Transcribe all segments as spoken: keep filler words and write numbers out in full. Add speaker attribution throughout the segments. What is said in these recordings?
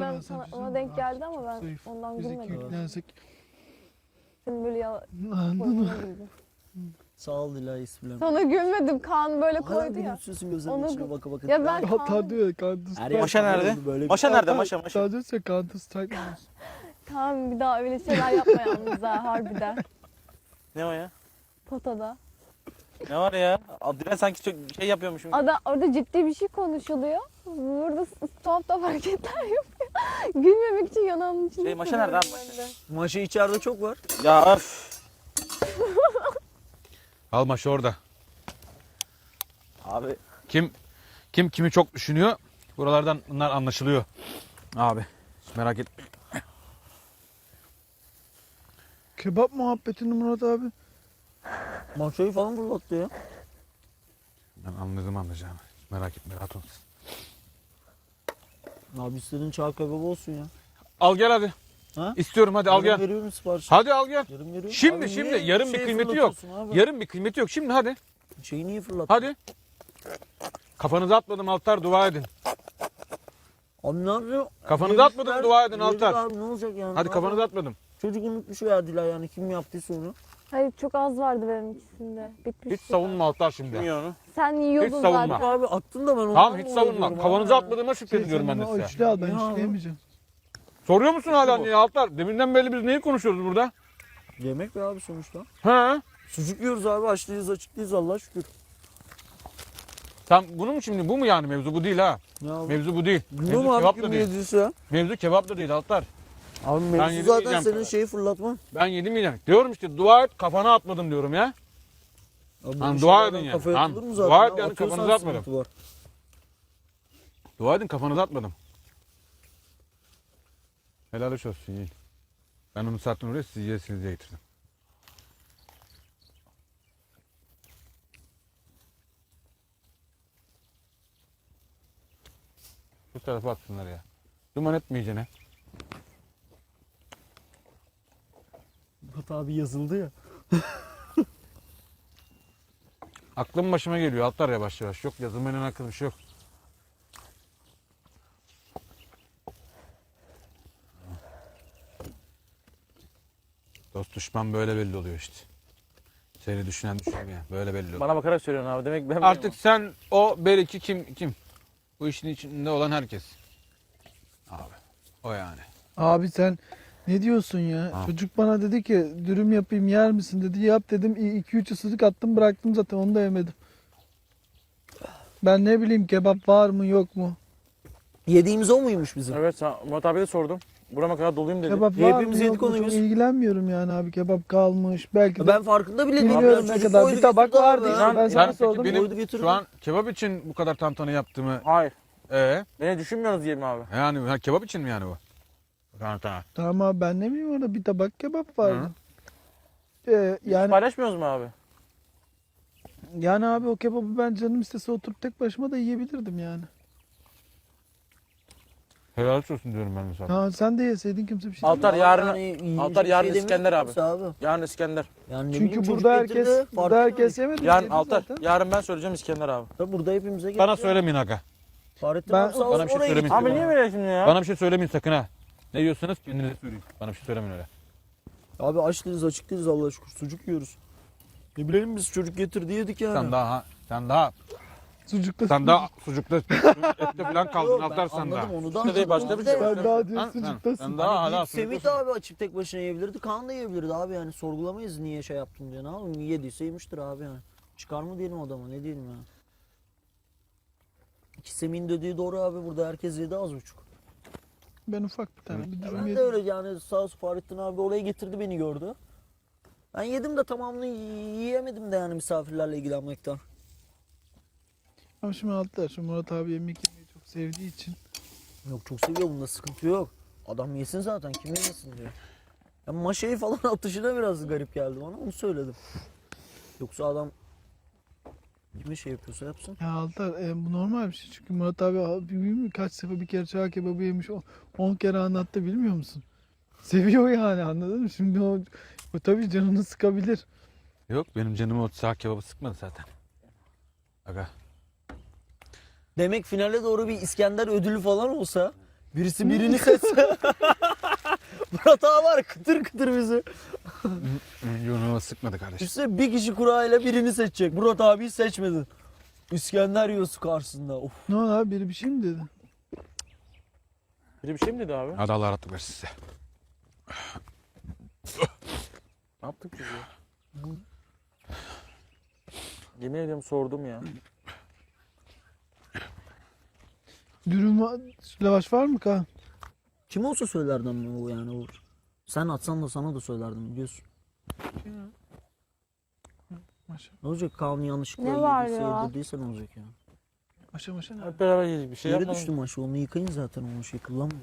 Speaker 1: ben
Speaker 2: ben
Speaker 1: sana,
Speaker 2: sana
Speaker 1: ona
Speaker 2: bir
Speaker 1: denk
Speaker 2: şey
Speaker 1: geldi ama ben
Speaker 2: Zayıf.
Speaker 1: ondan
Speaker 2: Biz iki
Speaker 1: gülmedim.
Speaker 2: yüklensek.
Speaker 1: Senin böyle ya
Speaker 2: Anladın
Speaker 1: koyduğuna
Speaker 2: mı?
Speaker 1: güldüm.
Speaker 3: Sağ ol Dilay ismim.
Speaker 1: Sana gülmedim. Kaan böyle
Speaker 3: Hala
Speaker 1: koydu ya.
Speaker 3: gülümsüyorsun gözlerimin
Speaker 1: Onu-
Speaker 3: içine baka baka.
Speaker 1: Ya ben
Speaker 2: Hatta
Speaker 1: Kaan,
Speaker 2: diyor ya Counter
Speaker 3: Her
Speaker 2: Strike.
Speaker 3: yer
Speaker 4: Maşa
Speaker 3: kahve
Speaker 4: nerede?
Speaker 3: oldu böyle.
Speaker 4: Maşa nerede? Maşa maşa.
Speaker 2: Daha diyorsa Counter Strike diyorsun.
Speaker 1: Kaan bir daha öyle şeyler yapma yalnız ha harbiden.
Speaker 4: Ne o ya?
Speaker 1: Potada.
Speaker 4: Ne var ya? Dilan sanki çok şey yapıyormuşum.
Speaker 1: Ada, orada ciddi bir şey konuşuluyor. Burada s- tuhaf tuhaf hareketler yapıyor. Gülmemek için yanağımın içinde.
Speaker 4: Şey, maşa nerede abi,
Speaker 1: tutuyorum
Speaker 4: maşa?
Speaker 1: ben de.
Speaker 3: Maşa içeride çok var.
Speaker 4: Ya öf.
Speaker 5: Al maşı orada.
Speaker 4: Abi.
Speaker 5: Kim kim kimi çok düşünüyor? Buralardan bunlar anlaşılıyor. Abi hiç merak etme.
Speaker 2: Kebap muhabbetini Murat abi.
Speaker 3: Maşayı falan fırlattı ya.
Speaker 5: Ben anladım anlayacağım. Hiç merak etme rahat ol.
Speaker 3: Abi istediğin çağ kebabı olsun ya.
Speaker 5: Al gel hadi.
Speaker 3: Ha?
Speaker 5: İstiyorum hadi al
Speaker 3: Yarın
Speaker 5: gel.
Speaker 3: veriyorum sipariş.
Speaker 5: Hadi al gel.
Speaker 3: Yarın veriyorum.
Speaker 5: Şimdi
Speaker 3: Abi
Speaker 5: şimdi
Speaker 3: niye
Speaker 5: yarın bir
Speaker 3: şey
Speaker 5: kıymeti yok.
Speaker 3: fırlatıyorsun abi?
Speaker 5: Yarın bir kıymeti yok. Şimdi hadi.
Speaker 3: Şeyi niye fırlattın?
Speaker 5: Hadi. Kafanızı atmadım Altar dua edin.
Speaker 3: Abi ne yapıyor?
Speaker 5: Kafanızı atmadım dua edin
Speaker 3: Yedik
Speaker 5: Altar.
Speaker 3: Abi ne olacak yani?
Speaker 5: Hadi
Speaker 3: Ne
Speaker 5: kafanızı
Speaker 3: yapalım?
Speaker 5: atmadım.
Speaker 3: Çocuk unutmuş ya Dilay yani kim yaptıysa onu.
Speaker 1: Hayır çok az vardı benim ikisinde. Bitmiş.
Speaker 5: Hiç savunma Altar şimdi.
Speaker 4: Bilmiyor onu.
Speaker 1: Sen yiyordun
Speaker 5: Hiç savunma.
Speaker 1: zaten.
Speaker 3: Abi attın da ben ondan
Speaker 5: Tamam hiç
Speaker 3: mı
Speaker 5: savunma.
Speaker 3: oluyorum
Speaker 5: Kafanızı
Speaker 3: abi?
Speaker 5: atmadığıma şükrediyorum ben de
Speaker 2: O
Speaker 5: size.
Speaker 2: üçlü al ben
Speaker 3: Ya abi.
Speaker 2: üçleyemeyeceğim.
Speaker 5: Soruyor musun hala niye Altar? Deminden beri biz neyi konuşuyoruz burada?
Speaker 3: Yemek be abi sonuçta.
Speaker 5: Ha?
Speaker 3: Sucuk yiyoruz abi açlıyız açıklıyız Allah'a şükür.
Speaker 5: Sen bunu mu şimdi? Bu mu yani mevzu? Bu değil ha.
Speaker 3: Ne abi?
Speaker 5: Mevzu bu değil.
Speaker 3: Bilmiyorum
Speaker 5: Mevzu
Speaker 3: abi
Speaker 5: kebap
Speaker 3: kim
Speaker 5: da değil.
Speaker 3: yediyse.
Speaker 5: Mevzu kebap da değil Altar.
Speaker 3: Abi
Speaker 5: Ben
Speaker 3: mevzu
Speaker 5: yedim
Speaker 3: zaten
Speaker 5: yiyeceğim.
Speaker 3: senin şeyi fırlatma.
Speaker 5: Ben yedim yiyeceğim. Diyorum işte dua et kafana atmadım diyorum ya.
Speaker 3: Abi
Speaker 5: Lan
Speaker 3: bir
Speaker 5: dua
Speaker 3: şeylerden
Speaker 5: edin yani.
Speaker 3: kafaya
Speaker 5: Tamam,
Speaker 3: atılır mı zaten
Speaker 5: dua
Speaker 3: ya?
Speaker 5: et yani,
Speaker 3: Atıyorsan
Speaker 5: kafanıza atmadım.
Speaker 3: sıkıntı var.
Speaker 5: Dua edin kafanızı atmadım. Helal hoş olsun yiyin. Ben onu sattım oraya siz yiyesiniz diye getirdim. Bu tarafa atsınlar ya. Duman etmeyeceğine.
Speaker 3: Murat abi yazıldı ya.
Speaker 5: Aklım başıma geliyor atlar yavaş yavaş. Yok yazılmanın hakkında bir şey yok. Dost düşman böyle belli oluyor işte. Seni düşünen düşünmüyor. Böyle belli oluyor.
Speaker 4: Bana bakarak söylüyorsun abi. Demek ben
Speaker 5: Artık sen o belki kim kim? Bu işin içinde olan herkes. Abi o yani.
Speaker 2: Abi sen ne diyorsun ya?
Speaker 5: Ha.
Speaker 2: Çocuk bana dedi ki dürüm yapayım yer misin dedi. Yap dedim. iki üç ısırık attım bıraktım zaten onu da yemedim. Ben ne bileyim kebap var mı yok mu?
Speaker 3: Yediğimiz o muymuş bizim?
Speaker 4: Evet sen Murat abiye de sordum. Burama kadar doluyum dedi.
Speaker 2: Kebap
Speaker 3: Ya
Speaker 2: var
Speaker 3: hepimiz
Speaker 2: mı
Speaker 3: yedik
Speaker 2: yok mu?
Speaker 3: onu
Speaker 2: Çok
Speaker 3: biz.
Speaker 2: ilgilenmiyorum yani abi. Kebap kalmış. Belki de
Speaker 3: Ben farkında bile değilim.
Speaker 2: bilmiyorum
Speaker 3: Ya
Speaker 2: ne
Speaker 3: çocuk
Speaker 2: kadar.
Speaker 3: koydu
Speaker 2: Bir tabak
Speaker 3: getirdi
Speaker 2: vardı
Speaker 3: abi.
Speaker 2: işte.
Speaker 4: Lan
Speaker 2: Ben
Speaker 5: Sen
Speaker 2: sana
Speaker 5: peki
Speaker 2: sordum.
Speaker 5: benim
Speaker 3: Koydu getirdi.
Speaker 5: şu an kebap için bu kadar tantana yaptığımı
Speaker 4: Hayır.
Speaker 5: ee,
Speaker 4: Beni düşünmüyorsunuz diyelim abi.
Speaker 5: yani ha, kebap için mi yani bu? Tantana.
Speaker 2: Tamam abi ben ne bileyim orada bir tabak kebap vardı. Ee,
Speaker 4: Hiç
Speaker 2: yani
Speaker 4: paylaşmıyoruz mu abi?
Speaker 2: yani abi o kebabı ben canım istese oturup tek başıma da yiyebilirdim yani.
Speaker 5: Helal olsun diyorum ben de sana.
Speaker 2: Ha, sen de yeseydin kimse bir şey
Speaker 4: Altar
Speaker 3: Abi
Speaker 4: yarın
Speaker 3: yani iyi
Speaker 4: Altar
Speaker 3: bir
Speaker 4: yarın
Speaker 3: şey demiyor
Speaker 4: İskender abi.
Speaker 3: kimse abi.
Speaker 4: yarın İskender.
Speaker 3: Yani ne
Speaker 2: Çünkü
Speaker 3: bileyim, çocuk
Speaker 2: burada herkes
Speaker 3: getirdi,
Speaker 2: burada
Speaker 3: farkında
Speaker 2: herkes
Speaker 3: değil.
Speaker 2: yemedi.
Speaker 4: Yarın
Speaker 2: yedi
Speaker 4: Altar.
Speaker 2: zaten.
Speaker 4: Yarın ben söyleyeceğim İskender abi.
Speaker 3: Tabii burada hepimize getirdi.
Speaker 5: Bana söylemeyin aga.
Speaker 3: Fahrettin
Speaker 2: Ben-
Speaker 3: abi sağ
Speaker 5: Bana
Speaker 3: olsun
Speaker 5: bir şey
Speaker 3: oraya
Speaker 5: söylemeyin.
Speaker 3: getirdi.
Speaker 4: Abi niye böyle şimdi ya?
Speaker 5: Bana bir şey söylemeyin sakın ha. Ne diyorsanız kendinize söyleyin. Bana bir şey söylemeyin öyle.
Speaker 3: Abi aç değiliz açık değiliz Allah'a şükür sucuk yiyoruz. Ne bilelim biz çocuk getirdi yedik yani.
Speaker 5: Sen daha sen daha
Speaker 2: Sucukta
Speaker 5: sen daha sucukta ette falan kaldın
Speaker 3: Yok, ben
Speaker 5: Altar sen daha.
Speaker 3: anladım onu da.
Speaker 4: İşte değil, başka bir şey
Speaker 2: ben daha diyor
Speaker 5: Sen, sen,
Speaker 2: sucuktasın.
Speaker 5: sen daha hala
Speaker 3: Semih de
Speaker 5: sucuktasın.
Speaker 3: abi açıp tek başına yiyebilirdi. Kaan da yiyebilirdi abi yani. Sorgulamayız niye şey yaptın diye. Ne yapalım yediyse yemiştir abi yani. Çıkar mı diyelim adama ne diyelim yani. İki Semih'in dediği doğru abi burada herkes yedi az buçuk.
Speaker 2: Ben ufak bir tane bir dürüm
Speaker 3: Ben de
Speaker 2: yedim.
Speaker 3: öyle yani sağ olsun Fahrettin abi oraya getirdi beni gördü. Ben yedim de tamamını yiyemedim de yani misafirlerle ilgilenmekten.
Speaker 2: Ama şimdi altılar şu Murat abi yemek yemeyi çok sevdiği için.
Speaker 3: Yok çok seviyor bunda sıkıntı yok. Adam yesin zaten kim yemesin diyor. Ya maşayı falan atışına biraz garip geldi bana onu söyledim. Yoksa adam kime şey yapıyorsa yapsın.
Speaker 2: Ya Altar e, bu normal bir şey çünkü Murat abi abi bilmiyor musun kaç sefer bir kere çağ kebabı yemiş on kere anlattı bilmiyor musun? Seviyor yani anladın mı? Şimdi o, o tabii canını sıkabilir.
Speaker 5: Yok benim canımı o sağ kebabı sıkmadı zaten. Aga.
Speaker 3: Demek finale doğru bir İskender ödülü falan olsa Birisi birini seçse. Murat abi var kıtır kıtır bizi.
Speaker 5: Yunus'a sıkmadı kardeşim.
Speaker 3: İşte bir kişi kurayla birini seçecek. Murat abiyi seçmedin. İskender yiyorsun karşısında. Of.
Speaker 2: Ne oldu abi, biri bir şey mi dedi?
Speaker 4: Biri bir şey mi dedi abi?
Speaker 5: Hadi Allah rahatlık versin size.
Speaker 4: Ne yaptık biz ya? Yemin ediyorum sordum ya.
Speaker 2: Dürüm var, lavaş var mı Kaan?
Speaker 3: Kim olsa söylerdim o yani olur. Sen atsan da sana da söylerdim biliyorsun.
Speaker 2: Maşa
Speaker 3: Ne olacak Kaan'ın yanlışlıkla
Speaker 1: Ne var
Speaker 3: yediyse
Speaker 1: ya?
Speaker 3: yedirdiyse ne olacak ya?
Speaker 2: maşa maşa ne?
Speaker 4: Hep beraber yedik bir şey
Speaker 3: Yere
Speaker 4: yapmadım.
Speaker 3: düştü maşı onu yıkayın zaten onu şey kullanmayın.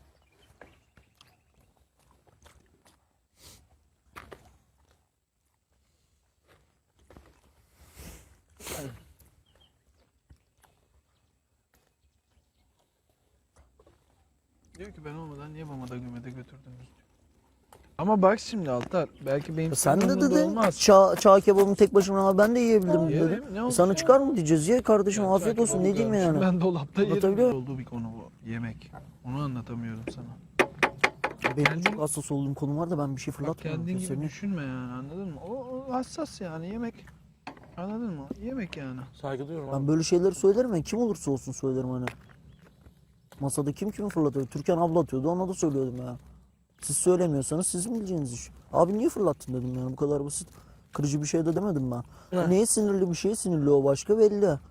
Speaker 2: Diyor ki ben olmadan niye mamada gümede götürdünüz? Ama bak şimdi Altar, belki benim
Speaker 3: Sen de
Speaker 2: sorumluluğumda
Speaker 3: dedin
Speaker 2: olmaz.
Speaker 3: çağ, çağ kebabını tek başıma ama ben de yiyebilirim
Speaker 2: Yerim,
Speaker 3: dedim.
Speaker 2: ne olacak?
Speaker 3: Sana çıkar mı diyeceğiz ye kardeşim
Speaker 2: Ben
Speaker 3: afiyet
Speaker 2: çağ
Speaker 3: olsun
Speaker 2: kebabı
Speaker 3: ne diyeyim
Speaker 2: görmüşüm,
Speaker 3: yani.
Speaker 2: Ben dolapta yerim.
Speaker 3: Anlatabiliyor muyum?
Speaker 2: Olduğu bir konu bu. Yemek. Onu anlatamıyorum sana.
Speaker 3: Benim
Speaker 2: Kendin-
Speaker 3: çok hassas olduğum konu var da ben bir şey
Speaker 2: Bak
Speaker 3: fırlatmıyorum.
Speaker 2: kendin gibi
Speaker 3: Seni-
Speaker 2: düşünme yani, anladın mı? O, o hassas yani, yemek. Anladın mı? Yemek yani.
Speaker 4: Saygı duyuyorum abi.
Speaker 3: Ben böyle şeyleri söylerim ya kim olursa olsun söylerim hani. Masada kim kimi fırlatıyor? Türkan abla atıyordu ona da söylüyordum ya. Siz söylemiyorsanız sizin bileceğiniz iş. Abi niye fırlattın dedim yani bu kadar basit. Kırıcı bir şey de demedim ben.
Speaker 4: Evet.
Speaker 3: Neye sinirli bir şeye sinirli o başka belli.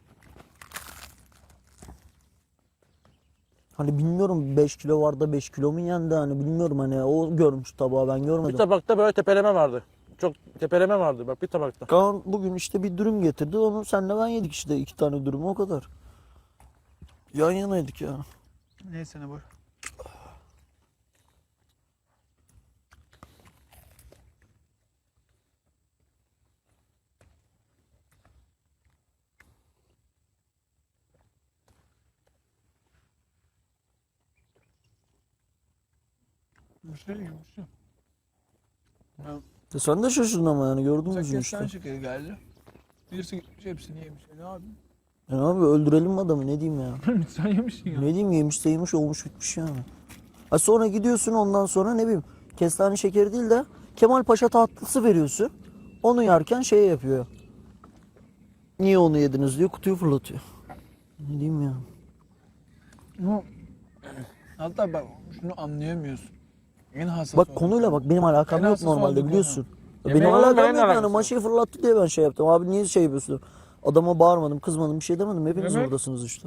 Speaker 3: Hani bilmiyorum beş kilo var da beş kilo mu yendi hani bilmiyorum hani o görmüş tabağı ben
Speaker 4: Bir
Speaker 3: görmedim.
Speaker 4: tabakta böyle tepeleme vardı. Çok tepeleme vardı bak bir tabakta.
Speaker 3: Kaan bugün işte bir dürüm getirdi onu senle ben yedik işte iki tane dürüm o kadar. Yan yanaydık ya.
Speaker 2: Neyse ne boş. Bir şey gibi bir şey.
Speaker 3: E sen de şaşırdın ama yani gördün mü yüzünü
Speaker 2: Kesen
Speaker 3: işte.
Speaker 2: şekeri geldi. Birisi gitmiş hepsini yemiş. Ne abi?
Speaker 3: Yani abi öldürelim mi adamı ne diyeyim ya.
Speaker 2: Sen yemişsin ya.
Speaker 3: Ne diyeyim yemişse yemiş olmuş bitmiş yani. Ha sonra gidiyorsun ondan sonra ne bileyim kestane şekeri değil de Kemal Paşa tatlısı veriyorsun. Onu yerken şey yapıyor. Niye onu yediniz diyor kutuyu fırlatıyor. Ne diyeyim ya.
Speaker 2: Ama hatta bak şunu anlayamıyorsun. En hassas
Speaker 3: Bak
Speaker 2: olan
Speaker 3: konuyla
Speaker 2: konu.
Speaker 3: bak benim alakam
Speaker 2: En
Speaker 3: yok
Speaker 2: hassas olduğu
Speaker 3: normalde
Speaker 2: konu.
Speaker 3: biliyorsun.
Speaker 4: Yemeğe
Speaker 3: Benim
Speaker 4: oğlum,
Speaker 3: alakam
Speaker 4: benim de
Speaker 3: yok yani
Speaker 4: alakası
Speaker 3: maşayı fırlattı diye ben şey yaptım. Abi niye şey yapıyorsun? Adama bağırmadım kızmadım bir şey demedim. Hepiniz
Speaker 2: Yemek-
Speaker 3: oradasınız işte.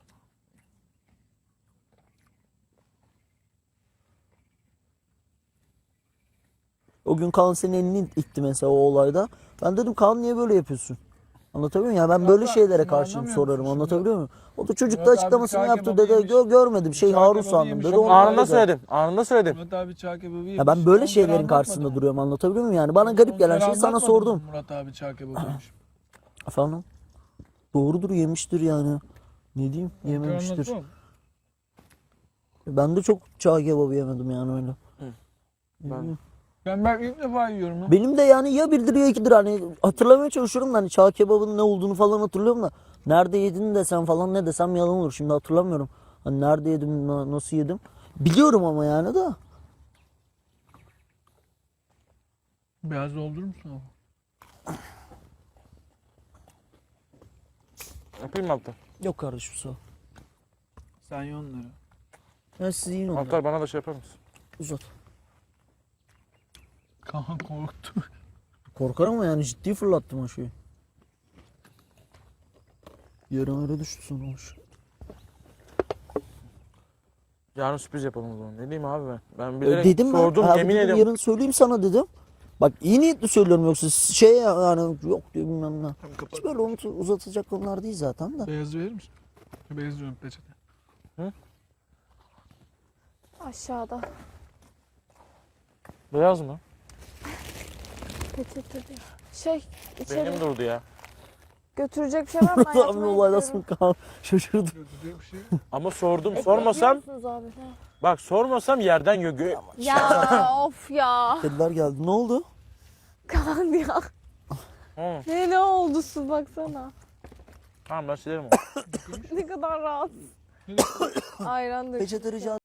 Speaker 3: O gün Kaan senin elini itti mesela o olayda. Ben dedim Kaan niye böyle yapıyorsun? Anlatabiliyor muyum? Ya ben
Speaker 2: Ya
Speaker 3: böyle
Speaker 2: ben
Speaker 3: şeylere
Speaker 2: şunu
Speaker 3: karşıyım
Speaker 2: anlamıyor
Speaker 3: sorarım.
Speaker 2: musun şimdi?
Speaker 3: Anlatabiliyor muyum? O da çocuk da
Speaker 2: Murat abi
Speaker 3: açıklamasını
Speaker 2: çağ
Speaker 3: yaptı
Speaker 2: kebabı
Speaker 3: dedi.
Speaker 2: yemiş.
Speaker 3: Gö görmedim şey
Speaker 2: Çağ
Speaker 3: Harun
Speaker 2: kebabı
Speaker 3: sandım
Speaker 2: yemiş.
Speaker 3: dedi.
Speaker 2: Çok
Speaker 3: Onu
Speaker 4: Anında
Speaker 3: dedi.
Speaker 4: söyledim. Anında söyledim.
Speaker 2: Murat abi çağ kebabı yemiş.
Speaker 3: Ya ben böyle
Speaker 2: On
Speaker 3: şeylerin
Speaker 2: kere anlatmadım.
Speaker 3: karşısında duruyorum anlatabiliyor muyum? Yani bana garip
Speaker 2: On
Speaker 3: gelen
Speaker 2: kere
Speaker 3: şeyi sana
Speaker 2: anlatmadım
Speaker 3: sordum.
Speaker 2: Murat abi çağ kebabı yemiş.
Speaker 3: Efendim? Doğrudur yemiştir yani. Ne diyeyim?
Speaker 2: On kere
Speaker 3: Yememiştir.
Speaker 2: anlatmam.
Speaker 3: Ben de çok çağ kebabı yemedim yani öyle. Ne
Speaker 4: Ben-
Speaker 3: diyeyim?
Speaker 2: Ben belki ilk defa yiyorum ya.
Speaker 3: Benim de yani ya birdir ya ikidir hani hatırlamaya çalışıyorum da hani çağ kebabının ne olduğunu falan hatırlıyorum da nerede yedin desem falan ne desem yalan olur şimdi hatırlamıyorum. Hani nerede yedim na- nasıl yedim biliyorum ama yani da.
Speaker 2: Beyaz doldurur musun abi?
Speaker 4: Yapayım mı Altar?
Speaker 3: Yok kardeşim sağ ol.
Speaker 2: Sen ye onları.
Speaker 3: Ya siz yiyin onları.
Speaker 4: Altar bana da şey yapar mısın?
Speaker 3: Uzat.
Speaker 2: Kaan korktu.
Speaker 3: Korkar ama yani ciddi fırlattım o şeyi. Yarın öyle düştü sonra o şey.
Speaker 4: Yarın sürpriz yapalım o zaman. Ne diyeyim abi ben? Ben
Speaker 3: E,
Speaker 4: bilerek
Speaker 3: dedim ben.
Speaker 4: sordum
Speaker 3: Abi
Speaker 4: yemin
Speaker 3: dedim,
Speaker 4: ediyorum.
Speaker 3: yarın söyleyeyim sana dedim. Bak iyi niyetli söylüyorum yoksa şey yani yok diyor bilmem ne.
Speaker 2: Tamam kapat.
Speaker 3: Hiç böyle unut, uzatacak konular değil zaten de.
Speaker 2: Beyaz verir misin? Beyaz diyorum peçete.
Speaker 1: Aşağıda.
Speaker 4: Beyaz mı?
Speaker 1: Peçete diyor. Şey içeri
Speaker 4: Benim durdu ya.
Speaker 1: götürecek bir şey var mı? Ben
Speaker 3: Abi
Speaker 1: yatmaya
Speaker 3: olay
Speaker 1: gidiyorum.
Speaker 3: nasıl kal şaşırdım.
Speaker 2: Götürecek bir şey.
Speaker 4: Ama sordum.
Speaker 1: Ekmek
Speaker 4: Sormasam,
Speaker 1: yiyor musunuz abi? Ha.
Speaker 4: bak sormasam yerden gö gö-
Speaker 1: Ya of ya.
Speaker 3: Kediler geldi. Ne oldu?
Speaker 1: Kaan ya.
Speaker 4: Hı,
Speaker 1: Ne ne oldu su baksana.
Speaker 4: tamam ben silerim onu.
Speaker 1: Ne kadar rahat. Ayran da.
Speaker 3: Peçete rica